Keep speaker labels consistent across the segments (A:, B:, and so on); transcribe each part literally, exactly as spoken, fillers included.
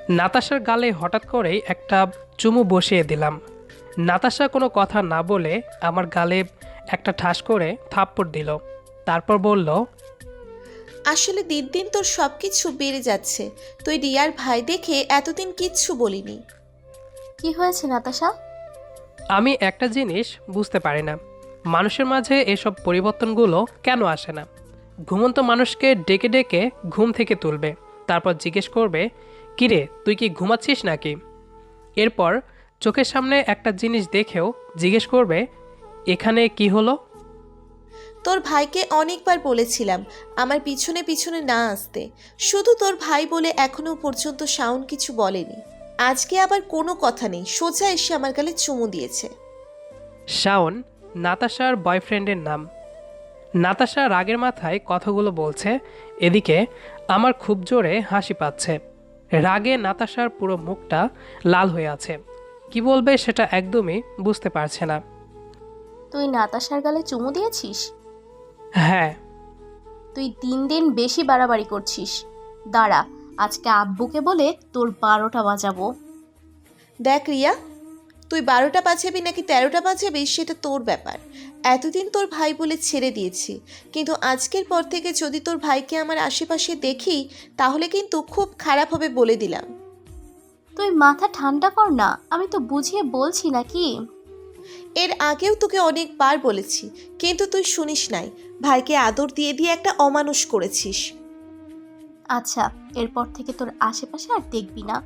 A: নাতাশার গালে হঠাৎ করেই একটা চুমু বসিয়ে দিলাম। নাতাশা কোনো কথা না বলে আমার গালে একটা ঠাস করে থাপ্পড় দিল। তারপর বলল,
B: আসলে দিন দিন তোর সব কিছু বেড়ে যাচ্ছে। তুই রিয়ার ভাই দেখে এতদিন কিচ্ছু বলিনি।
C: কি হয়েছে নাতাশা?
A: আমি একটা জিনিস বুঝতে পারি না, মানুষের মাঝে এসব পরিবর্তনগুলো কেন আসে না। ঘুমন্ত মানুষকে ডেকে ডেকে ঘুম থেকে তুলবে, তারপর জিজ্ঞেস করবে, কিরে তুই কি ঘুমাচ্ছিস নাকি? এরপর চোখের সামনে একটা জিনিস দেখেও জিজ্ঞেস করবে, এখানে কি হলো?
B: তোর ভাইকে অনেকবার বলেছিলাম আমার পিছনে পিছনে না আসতে, শুধু তোর ভাই বলে এখনো পর্যন্ত শাওন কিছু বলেনি। আজকে আবার কোনো কথা নেই, সোজা এসে আমার গালে চুমু দিয়েছে।
A: শাওন নাতাশার বয়ফ্রেন্ডের নাম। নাতাশা রাগের মাথায় কথাগুলো বলছে, এদিকে আমার খুব জোরে হাসি পাচ্ছে। রাগে নাতাশার পুরো মুখটা লাল হয়ে আছে, কি বলবে সেটা একদমই বুঝতে পারছে না।
C: তুই নাতাশার গালে চুমু দিয়েছিস?
A: হ্যাঁ।
C: তুই দিন দিন বেশি বাড়াবাড়ি করছিস। দাঁড়া, আজকে আব্বুকে বলে তোর বারোটা বাজাবো।
B: দেখ রিয়া, তুই বারোটা বাজাবি নাকি তেরোটা বাজাবি সেটা তোর ব্যাপার। এতদিন তোর ভাই বলে ছেড়ে দিয়েছি, কিন্তু আজকের পর থেকে যদি তোর ভাইকে আমার আশেপাশে দেখি তাহলে কিন্তু খুব খারাপ হবে বলে দিলাম।
C: তুই মাথা ঠান্ডা কর না, আমি তো বুঝিয়ে বলছি নাকি।
B: এর আগেও তোকে অনেকবার বলেছি, কিন্তু তুই শুনিস নাই। ভাইকে আদর দিয়ে দিয়ে একটা অমানুষ করেছিস।
C: আচ্ছা, এরপর থেকে তোর আশেপাশে আর দেখবি না।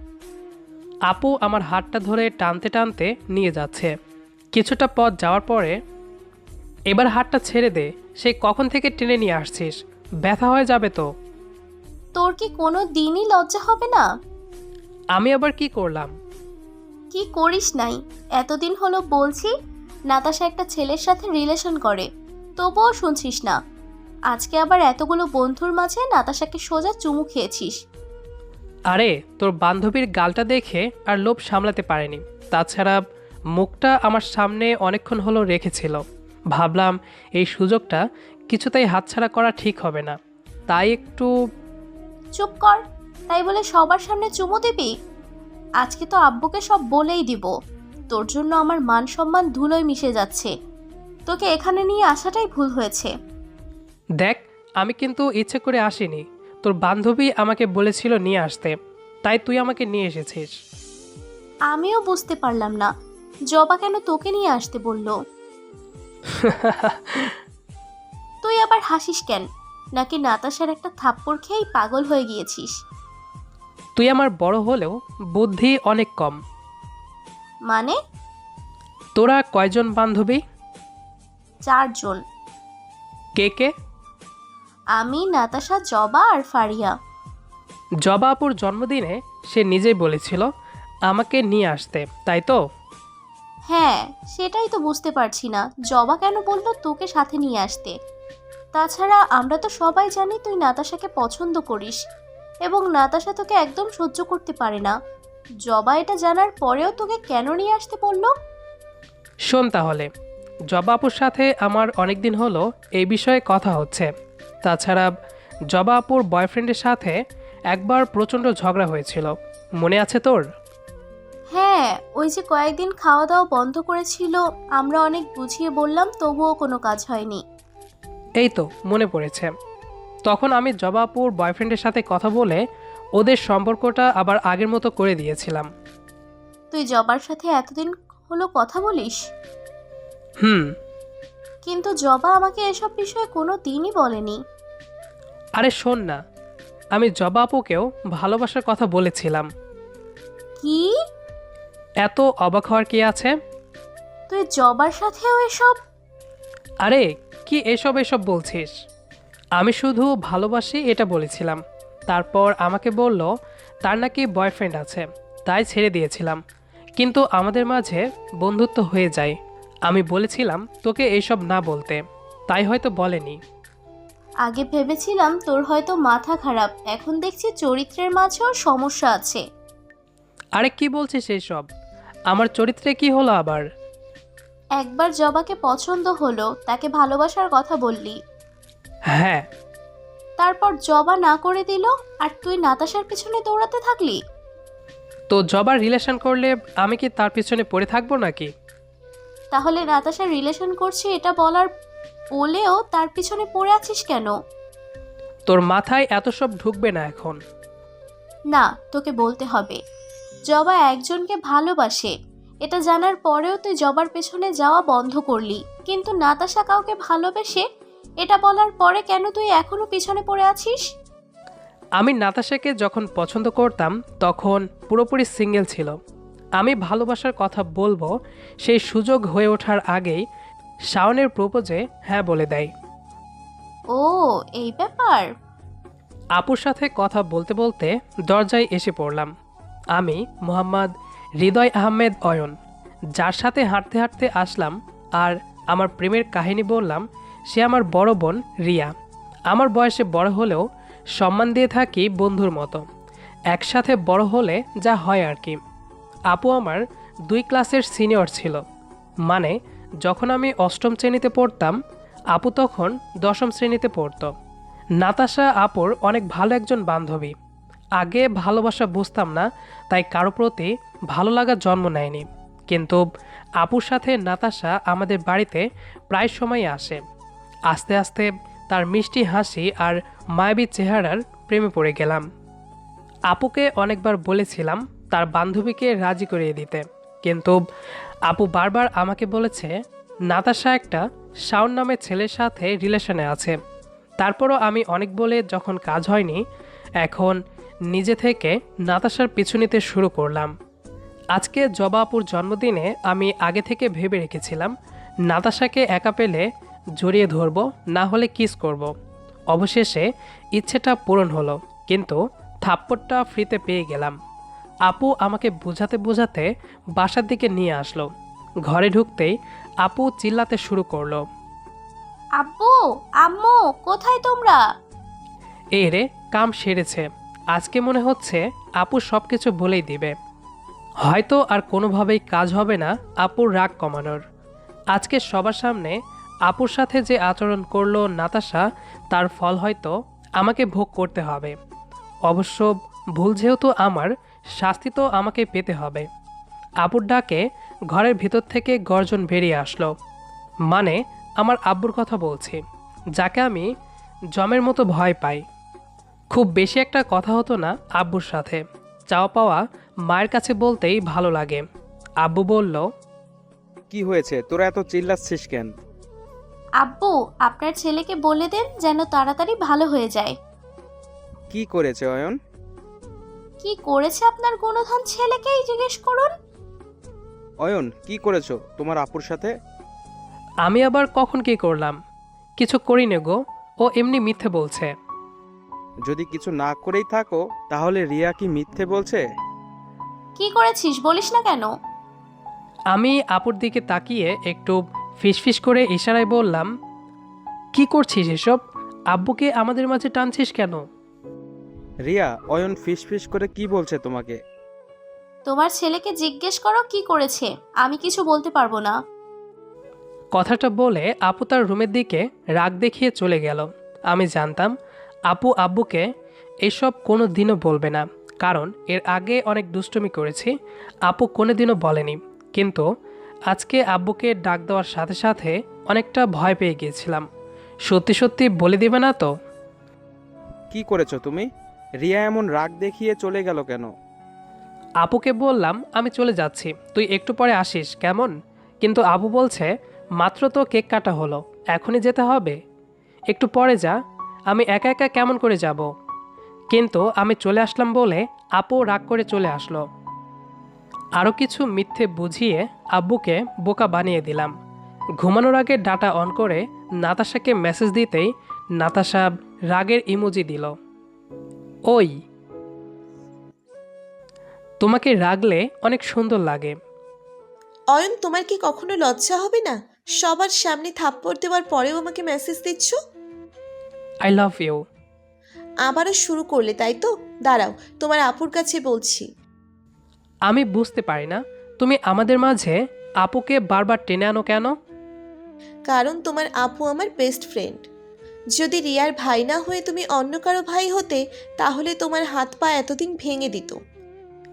A: আপু আমার হাতটা ধরে টানতে টানতে নিয়ে যাচ্ছে। কিছুটা পথ যাওয়ার পরে, এবার হাতটা ছেড়ে দে, সেই কখন থেকে টেনে নিয়ে আসছিস, ব্যথা হয়ে যাবে তো।
C: তোর কি কোনো দিনই লজ্জা হবে না?
A: আমি আবার কি করলাম?
C: কি করিস নাই? এতদিন হলো বলছি নাতাশা একটা ছেলের সাথে রিলেশন করে, তবুও শুনছিস না। আজকে আবার এতগুলো বন্ধুর মাঝে নাতাশাকে সোজা চুমু খেয়েছিস।
A: আরে তোর বান্ধবীর গালটা দেখে আর লোভ সামলাতে পারেনি। তাছাড়া মুখটা আমার সামনে অনেকক্ষণ হলো রেখেছিল, ভাবলাম এই সুযোগটা কিছুতেই হাতছাড়া করা ঠিক হবে না, তাই একটু।
C: চুপ কর। তাই বলে সবার সামনে চুমু দিবি? আজকে তো আব্বুকে সব বলেই দিব। তোর জন্য আমার মান সম্মান ধুলোয় মিশে যাচ্ছে। তোকে এখানে নিয়ে আসাটাই ভুল হয়েছে।
A: দেখ, আমি কিন্তু ইচ্ছে করে আসিনি, তোর বান্ধবী আমাকে বলেছিল নিয়ে আসতে, তাই তুই আমাকে নিয়ে এসেছিস।
C: আমিও বুঝতে পারলাম না জবা কেন তোকে নিয়ে আসতে বলল। তুই আবার হাসিস কেন? নাকি নাতাশার একটা থাপ্পড় খেয়েই পাগল হয়ে গিয়েছিস?
A: তুই আমার বড় হলেও বুদ্ধি অনেক কম।
C: মানে?
A: তোরা কয়জন বান্ধবী?
C: চারজন।
A: কে কে?
C: আমি, নাতাশা, জবা আর ফারিয়া।
A: জবা আপুর জন্মদিনে সে নিজেই বলেছিল আমাকে নিয়ে আসতে, তাই তো?
C: হ্যাঁ, সেটাই তো বুঝতে পারছি না জবা কেন বললো তোকে সাথে নিয়ে আসতে। তাছাড়া আমরা তো সবাই জানি তুই নাতাশাকে পছন্দ করিস এবং নাতাশা তোকে একদম সহ্য করতে পারে না। জবা এটা জানার পরেও তোকে কেন নিয়ে আসতে বললো?
A: শোন তাহলে, জবা আপুর সাথে আমার অনেক দিন হলো এই বিষয়ে কথা হচ্ছে। তাছাড়া জবা আপুর বয়ফ্রেন্ডের সাথে একবার প্রচণ্ড ঝগড়া হয়েছিল, মনে আছে তোর?
C: হ্যাঁ, ওই যে কয়েকদিন খাওয়া দাওয়া বন্ধ করেছিল, আমরা অনেক বুঝিয়ে বললাম তবুও কোনো কাজ হয়নি।
A: এই তো মনে পড়েছে। তখন আমি জবা আপুর বয়ফ্রেন্ডের সাথে কথা বলে ওদের সম্পর্কটা আবার আগের মতো করে দিয়েছিলাম।
C: তুই জবার সাথে এতদিন হলো কথা বলিস?
A: হুম।
C: কিন্তু জবা আমাকে এসব বিষয়ে কোনো দিনই বলেনি।
A: আরে শোন না, আমি জবা আপুকেও ভালোবাসার কথা বলেছিলাম।
C: কি?
A: এত অবাক হওয়ার কি আছে?
C: তুই জবার সাথেও এসব?
A: আরে কি এসব এসব বলছিস? আমি শুধু ভালোবাসি এটা বলেছিলাম। তারপর আমাকে বলল তার নাকি বয়ফ্রেন্ড আছে, তাই ছেড়ে দিয়েছিলাম, কিন্তু আমাদের মাঝে বন্ধুত্ব হয়ে যায়। আমি বলেছিলাম তোকে এইসব না বলতে, তাই হয়তো বলেনি।
C: আগে ভেবেছিলাম তোর হয়তো মাথা খারাপ, এখন দেখছি চরিত্রের মাঝেও সমস্যা আছে।
A: আরে কি বলছিস এইসব? আমার চরিত্রে কি হলো আবার?
C: একবার জবাকে পছন্দ হলো, তাকে ভালোবাসার কথা বললি।
A: হ্যাঁ।
C: তারপর জবা না করে দিল আর তুই নাতাশার পিছনে দৌড়াতে থাকলি।
A: তো জবার রিলেশন করলে আমি কি তার পিছনে পড়ে থাকবো নাকি?
C: তাহলে নাতাশা রিলেশন করছে এটা বলার বলেও তার পিছনে পড়ে আছিস কেন?
A: তোর মাথায় এত সব ঢুকবে না এখন।
C: না, তোকে বলতে হবে। জবা একজনকে ভালোবাসে, এটা জানার পরেও তুই জবার পেছনে যাওয়া বন্ধ করলি, কিন্তু নাতাশা কাউকে ভালোবেসে এটা বলার পরে কেন তুই এখনো পিছনে পড়ে আছিস?
A: আমি নাতাশাকে যখন পছন্দ করতাম তখন পুরোপুরি সিঙ্গেল ছিল। আমি ভালোবাসার কথা বলবো সেই সুযোগ হয়ে ওঠার আগেই শাওনের প্রপোজে হ্যাঁ বলে দেয়।
C: ও, এই ব্যাপার।
A: আপুর সাথে কথা বলতে বলতে দরজায় এসে পড়লাম। আমি মোহাম্মদ হৃদয় আহমেদ অয়ন, যার সাথে হাঁটতে হাঁটতে আসলাম আর আমার প্রেমের কাহিনী বললাম। সে আমার বড় বোন রিয়া। আমার বয়সে বড় হলেও সম্মান দিয়ে থাকি বন্ধুর মতো, একসাথে বড় হলে যা হয় আর কি। আপু আমার দুই ক্লাসের সিনিয়র ছিল, মানে যখন আমি অষ্টম শ্রেণীতে পড়তাম আপু তখন দশম শ্রেণীতে পড়তো। নাতাশা আপুর অনেক ভালো একজন বান্ধবী। আগে ভালোবাসা বুঝতাম না, তাই কারো প্রতি ভালো লাগা জন্ম নেয়নি। কিন্তু আপুর সাথে নাতাশা আমাদের বাড়িতে প্রায় সময় আসে। আস্তে আস্তে তার মিষ্টি হাসি আর মায়াবী চেহারার প্রেমে পড়ে গেলাম। আপুকে অনেকবার বলেছিলাম তার বান্ধবীকে রাজি করিয়ে দিতে, কিন্তু আপু বারবার আমাকে বলেছে নাতাশা একটা শাওন নামের ছেলের সাথে রিলেশনে আছে। তারপরও আমি অনেক বলে যখন কাজ হয়নি, এখন নিজে থেকে নাতাশার পিছু নিতে শুরু করলাম। আজকে জবা আপুর জন্মদিনে আমি আগে থেকে ভেবে রেখেছিলাম নাতাশাকে একা পেলে জড়িয়ে ধরবো, না হলে কিস করব। অবশেষে ইচ্ছেটা পূরণ হলো, কিন্তু থাপ্পড়টা ফ্রিতে পেয়ে গেলাম। আপু আমাকে বোঝাতে বোঝাতে বাসার দিকে নিয়ে আসলো। ঘরে ঢুকতেই আপু চিল্লাতে শুরু করলো,
C: আব্বু, আম্মু, কোথায় তোমরা?
A: এই রে, কাম সেরেছে। আজকে মনে হচ্ছে আপু সব কিছু বলেই দিবে। হয়তো আর কোনোভাবেই কাজ হবে না আপুর রাগ কমানোর। আজকে সবার সামনে আপুর সাথে যে আচরণ করলো নাতাশা, তার ফল হয়তো আমাকে ভোগ করতে হবে। অবশ্য ভুল যেহেতু আমার, শাস্তি তো আমাকে পেতে হবে। আপুর ডাকে ঘরের ভিতর থেকে গর্জন বেরিয়ে আসলো। মানে আমার আব্বুর কথা বলছি, যাকে আমি জমের মতো ভয় পাই। খুব বেশি একটা কথা হতো না আব্বুর সাথে, চাওয়া পাওয়া মায়ের কাছে বলতেই ভালো লাগে। আব্বু বলল,
D: কি হয়েছে, তোরা এত চিল্লাচ্ছিস কেন?
C: আব্বু, আপনার ছেলেকে বলে দেন যেন তাড়াতাড়ি ভালো হয়ে যায়।
D: কি করেছে অয়ন?
C: কি করেছে আপনার গুণধন ছেলেকেই জিজ্ঞেস করুন।
D: অয়ন, কি করেছো তোমার আপুর সাথে?
A: আমি আবার কখন কি করলাম? কিছু করি নে গো, ও এমনি মিথ্যে বলছে।
D: যদি কিছু না করেই থাকো তাহলে রিয়া কি মিথ্যে বলছে?
C: কি করেছিস বলিস না কেন?
A: আমি আপুর দিকে তাকিয়ে একটু ফিসফিস করে ইশারায় বললাম, কি করছিস এসব? আব্বুকে আমাদের মাঝে টানছিস কেন?
D: রিয়া, অয়ন ফিস ফিস করে কি বলছে তোমাকে?
C: তোমার ছেলেকে জিজ্ঞেস করো কি করেছে, আমি কিছু বলতে পারবো না।
A: কথাটা বলে আপু তার রুমের দিকে রাগ দেখিয়ে চলে গেল। আমি জানতাম আপু আব্বুকে এসব কোনো দিনও বলবে না, কারণ এর আগে অনেক দুষ্টুমি করেছি, আপু কোনো দিনও বলেনি। কিন্তু আজকে আব্বুকে ডাক দেওয়ার সাথে সাথে অনেকটা ভয় পেয়ে গিয়েছিলাম। সত্যি সত্যি বলে দিবে না তো?
D: কি করেছো তুমি? রিয়া এমন রাগ দেখিয়ে চলে গেল কেন?
A: আপুকে বললাম আমি চলে যাচ্ছি, তুই একটু পরে আসিস কেমন? কিন্তু আবু বলছে মাত্র তো কেক কাটা হলো, এখনই যেতে হবে? একটু পরে যা। আমি একা একা কেমন করে যাব? কিন্তু আমি চলে আসলাম বলে আপু রাগ করে চলে আসলো। আরও কিছু মিথ্যে বুঝিয়ে আব্বুকে বোকা বানিয়ে দিলাম। ঘুমানোর আগে ডাটা অন করে নাতাশাকে মেসেজ দিতেই নাতাশা রাগের ইমোজি দিল। ওই, তোমাকে রাগলে অনেক সুন্দর লাগে।
B: অয়ন, তোমার কি কখনো লজ্জা হবে না? সবার সামনে থাপ্পড় দেওয়ার পরেও আমাকে মেসেজ দিচ্ছ।
A: I love you.
B: আবারও শুরু করলে তাই তো? দাঁড়াও, তোমার আপুর কাছে বলছি।
A: আমি বুঝতে পারি না তুমি আমাদের মাঝে আপুকে বারবার টেনে আনো কেন?
B: কারণ তোমার আপু আমার বেস্ট ফ্রেন্ড। যদি রিয়ার ভাই না হয়ে তুমি অন্য কারো ভাই হতে, তাহলে তোমার হাত পা এতদিন ভেঙে দিত।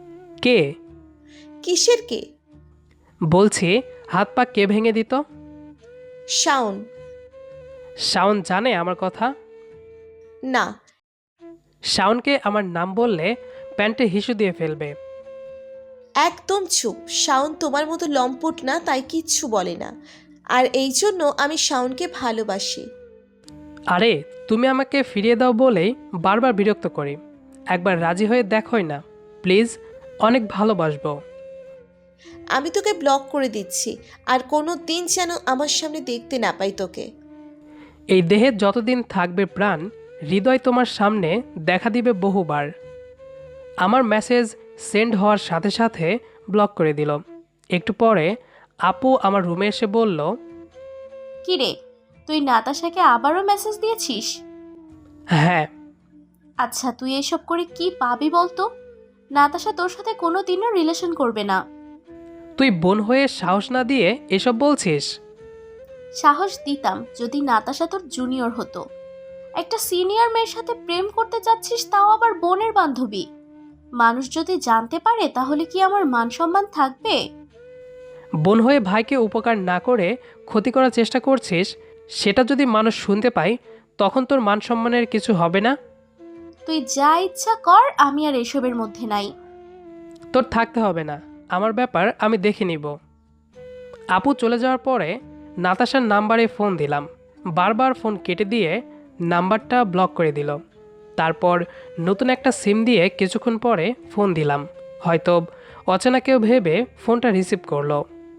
A: কে?
B: কিসের কে?
A: বলছি হাত পা কে ভেঙে দিত?
B: শাওন।
A: শাওন জানে আমার কথা?
B: না।
A: শাওনকে আমার নাম বললে প্যান্টে হিসু দিয়ে ফেলবে।
B: একদম চুপ। শাওন তোমার মতো লম্পট না, তাই কিচ্ছু বলে না। আর এই জন্য আমি শাওনকে ভালোবাসি।
A: আরে তুমি আমাকে ফিরিয়ে দাও বলেই বারবার বিরক্ত করি। একবার রাজি হয়ে দেখোই না প্লিজ, অনেক ভালোবাসবো।
B: আমি তোকে ব্লক করে দিচ্ছি, আর কোনো দিন যেন আমার সামনে দেখতে না পাই তোকে।
A: এই দেহে যতদিন থাকবে প্রাণ, হৃদয় তোমার সামনে দেখা দিবে বহুবার। আমার মেসেজ সেন্ড হওয়ার সাথে সাথে ব্লক করে দিল। একটু পরে আপু আমার রুমে এসে বলল,
C: কি রে, তুই নাতাশাকে আবারও মেসেজ দিয়েছিস?
A: হ্যাঁ।
C: আচ্ছা, তুই এসব করে কি পাবি বলতো? নাতাশা তোর সাথে কোনো দিনও রিলেশন করবে না।
A: তুই বোন হয়ে সাহস না দিয়ে এসব বলছিস?
C: সাহস দিতাম যদি নাতাশা তোর জুনিয়র হতো। একটা সিনিয়র মেয়ের সাথে প্রেম করতে যাচ্ছিস, তাও আবার বোনের বান্ধবী। মানুষ যদি জানতে পারে তাহলে কি আমার মান সম্মান থাকবে?
A: বোন হয়ে ভাইকে উপকার না করে ক্ষতি করার চেষ্টা করছিস, সেটা যদি মানুষ শুনতে পায় তখন তোর মান সম্মানের কিছু হবে না?
C: তুই যা ইচ্ছা কর, আমি আর এসবের মধ্যে নাই।
A: তোর থাকতে হবে না, আমার ব্যাপার আমি দেখে নিব। আপু চলে যাওয়ার পরে নাতাশার নাম্বারে ফোন দিলাম। বারবার ফোন কেটে দিয়ে নাম্বারটা ব্লক করে দিল। তারপর নতুন একটা সিম দিয়ে কিছুক্ষণ পরে ফোন দিলাম। হয়তো অচেনা কেউ ভেবে ফোনটা রিসিভ করলো।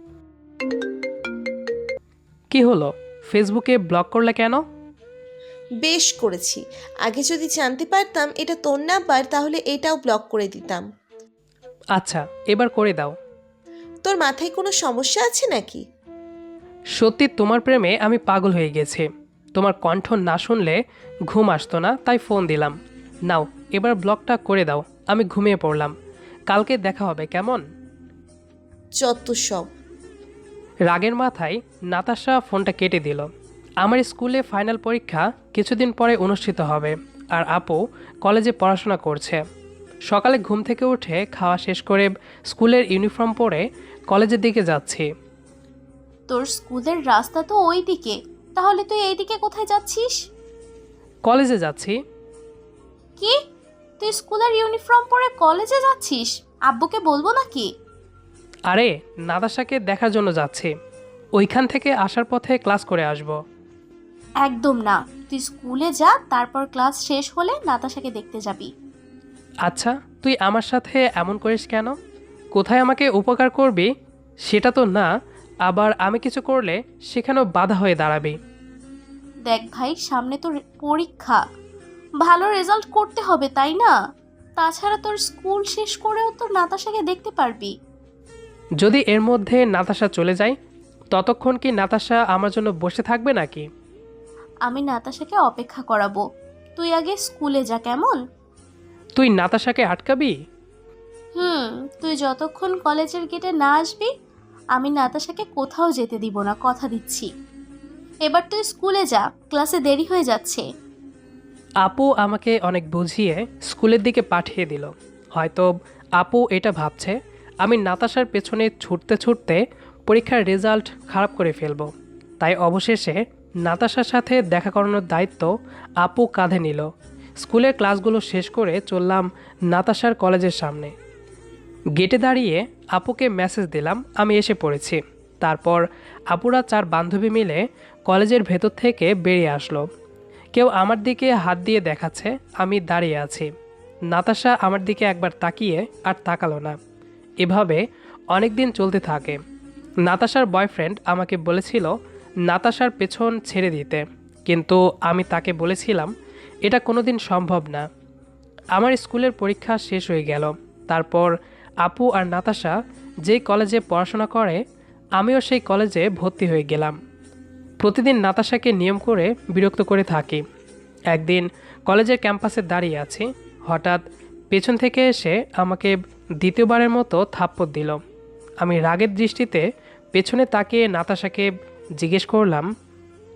A: কি হলো, ফেসবুকে ব্লক করলে কেন?
B: বেশ করেছি। আগে যদি জানতে পারতাম এটা তোর নাম্বার, তাহলে এটাও ব্লক করে দিতাম।
A: আচ্ছা, এবার করে দাও।
B: তোর মাথায় কোনো সমস্যা আছে নাকি?
A: সত্যি তোমার প্রেমে আমি পাগল হয়ে গেছি। তোমার কণ্ঠ না শুনলে ঘুম আসতো না, তাই ফোন দিলাম। নাও, এবার ব্লকটা করে দাও, আমি ঘুমিয়ে পড়লাম। কালকে দেখা হবে কেমন?
B: যত সব।
A: রাগের মাথায় নাতাশা ফোনটা কেটে দিল। আমার স্কুলে ফাইনাল পরীক্ষা কিছুদিন পরে অনুষ্ঠিত হবে, আর আপু কলেজে পড়াশোনা করছে। সকালে ঘুম থেকে উঠে খাওয়া শেষ করে স্কুলের ইউনিফর্ম পরে কলেজের দিকে যাচ্ছি।
C: তোর স্কুলের রাস্তা তো ওই দিকে, তাহলে তুই এইদিকে কোথায় যাচ্ছিস?
A: কলেজে যাচ্ছি।
C: কি, তুই স্কুলের ইউনিফর্ম পরে কলেজে যাচ্ছিস? আব্বুকে বলবো নাকি?
A: আরে নাতাশাকে দেখার জন্য যাচ্ছি, ওইখান থেকে আসার পথে ক্লাস করে আসব।
C: একদম না, তুই স্কুলে যা, তারপর ক্লাস শেষ হলে নাতাশাকে দেখতে যাবি।
A: আচ্ছা, তুই আমার সাথে এমন করিস কেন? কোথায় আমাকে উপকার করবি সেটা তো না, আবার আমি কিছু করলে সেখানেও বাধা হয়ে দাঁড়াবি।
C: দেখ ভাই, সামনে তোর পরীক্ষা, ভালো রেজাল্ট করতে হবে তাই না? তাছাড়া তোর স্কুল শেষ করেও তো নাতাশাকে দেখতে পারবি।
A: যদি এর মধ্যে নাতাশা চলে যায়, ততক্ষণ কি নাতাশা আমার জন্য বসে থাকবে নাকি?
C: আমি নাতাশাকে অপেক্ষা করাবো, তুই আগে স্কুলে যা কেমন?
A: তুই নাতাশাকে আটকাবি?
C: হুম, তুই যতক্ষণ কলেজের গেটে না আসবি আমি নাতাশাকে কোথাও যেতে দিব না, কথা দিচ্ছি। এবার তুই স্কুলে যা, ক্লাসে দেরি হয়ে যাচ্ছে।
A: আপু আমাকে অনেক বুঝিয়ে স্কুলের দিকে পাঠিয়ে দিল। হয়তো আপু এটা ভাবছে আমি নাতাশার পেছনে ছুটতে ছুটতে পরীক্ষার রেজাল্ট খারাপ করে ফেলব। তাই অবশেষে নাতাশার সাথে দেখা করানোর দায়িত্ব আপু কাঁধে নিল। স্কুলের ক্লাসগুলো শেষ করে চললাম নাতাশার কলেজের সামনে। গেটে দাঁড়িয়ে আপুকে মেসেজ দিলাম আমি এসে পড়েছি। তারপর আপুরা চার বান্ধবী মিলে কলেজের ভেতর থেকে বেরিয়ে আসলো। কেউ আমার দিকে হাত দিয়ে দেখাচ্ছে আমি দাঁড়িয়ে আছি। নাতাশা আমার দিকে একবার তাকিয়ে আর তাকালো না। এভাবে অনেক দিন চলতে থাকে। নাতাশার বয়ফ্রেন্ড আমাকে বলেছিল নাতাশার পেছন ছেড়ে দিতে, কিন্তু আমি তাকে বলেছিলাম এটা কোনোদিন সম্ভব না। আমার স্কুলের পরীক্ষা শেষ হয়ে গেল। তারপর আপু আর নাতাশা যেই কলেজে পড়াশোনা করে আমিও সেই কলেজে ভর্তি হয়ে গেলাম। প্রতিদিন নাতাশাকে নিয়ম করে বিরক্ত করে থাকি। একদিন কলেজের ক্যাম্পাসে দাঁড়িয়ে আছি, হঠাৎ পেছন থেকে এসে আমাকে দ্বিতীয়বারের মতো থাপ্পড় দিল। আমি রাগের দৃষ্টিতে পেছনে তাকিয়ে নাতাশাকে জিজ্ঞেস করলাম,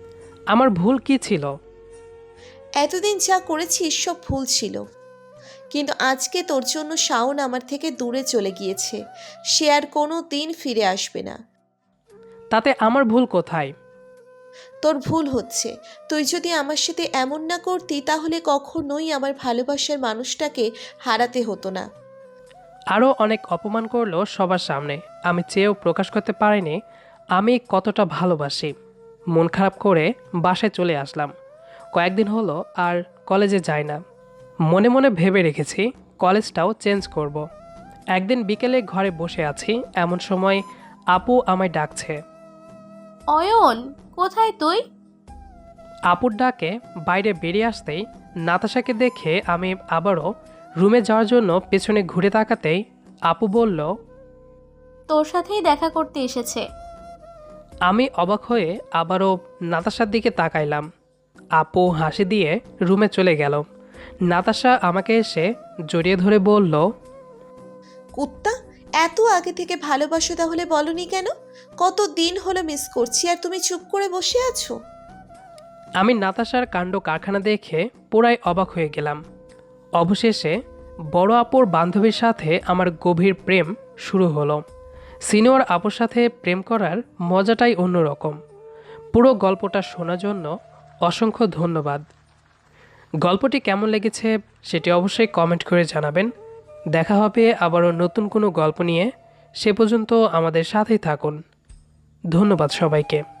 A: আমার ভুল কী ছিল?
B: এতদিন যা করেছিস সব ভুল ছিল, কিন্তু আজকে তোর জন্য শাওন আমার থেকে দূরে চলে গিয়েছে। সে আর কোনো দিন ফিরে আসবে না।
A: তাতে আমার ভুল কোথায়?
B: তোর ভুল হচ্ছে, তুই যদি আমার সাথে এমন না করতি তাহলে কখনোই আমার ভালোবাসার মানুষটাকে হারাতে হতো না।
A: আরও অনেক অপমান করলো সবার সামনে। আমি চেয়েও প্রকাশ করতে পারিনি আমি কতটা ভালোবাসি। মন খারাপ করে বাসায় চলে আসলাম। কয়েকদিন হলো আর কলেজে যাই না। মনে মনে ভেবে রেখেছি কলেজটাও চেঞ্জ করব। একদিন বিকেলে ঘরে বসে আছি, এমন সময় আপু আমায় ডাকছে।
C: অয়ন, কোথায় তুই?
A: আপুর ডাকে বাইরে বেরিয়ে আসতেই নাতাশাকে দেখে আমি আবারও রুমে যাওয়ার জন্য পেছনে ঘুরে তাকাতেই আপু বলল,
C: তোর সাথেই দেখা করতে এসেছে।
A: আমি অবাক হয়ে আবারও নাতাশার দিকে তাকাইলাম। আপু হাসি দিয়ে রুমে চলে গেল। নাতাশা আমাকে এসে জড়িয়ে ধরে বলল,
B: কুত্তা, এত আগে থেকে ভালোবাসো তাহলে বলনি কেন? কত দিন হলো মিস করছি আর তুমি চুপ করে বসে আছো।
A: আমি নাতাশার কাণ্ড কারখানা দেখে পুরাই অবাক হয়ে গেলাম। অবশেষে বড় আপুর বান্ধবীর সাথে আমার গভীর প্রেম শুরু হলো। সিনিয়র আপুর সাথে প্রেম করার মজাটাই অন্যরকম। পুরো গল্পটা শোনার জন্য অসংখ্য ধন্যবাদ। গল্পটি কেমন লেগেছে সেটি অবশ্যই কমেন্ট করে জানাবেন। দেখা হবে আবারও নতুন কোনো গল্প নিয়ে। সে পর্যন্ত আমাদের সাথেই থাকুন। ধন্যবাদ সবাইকে।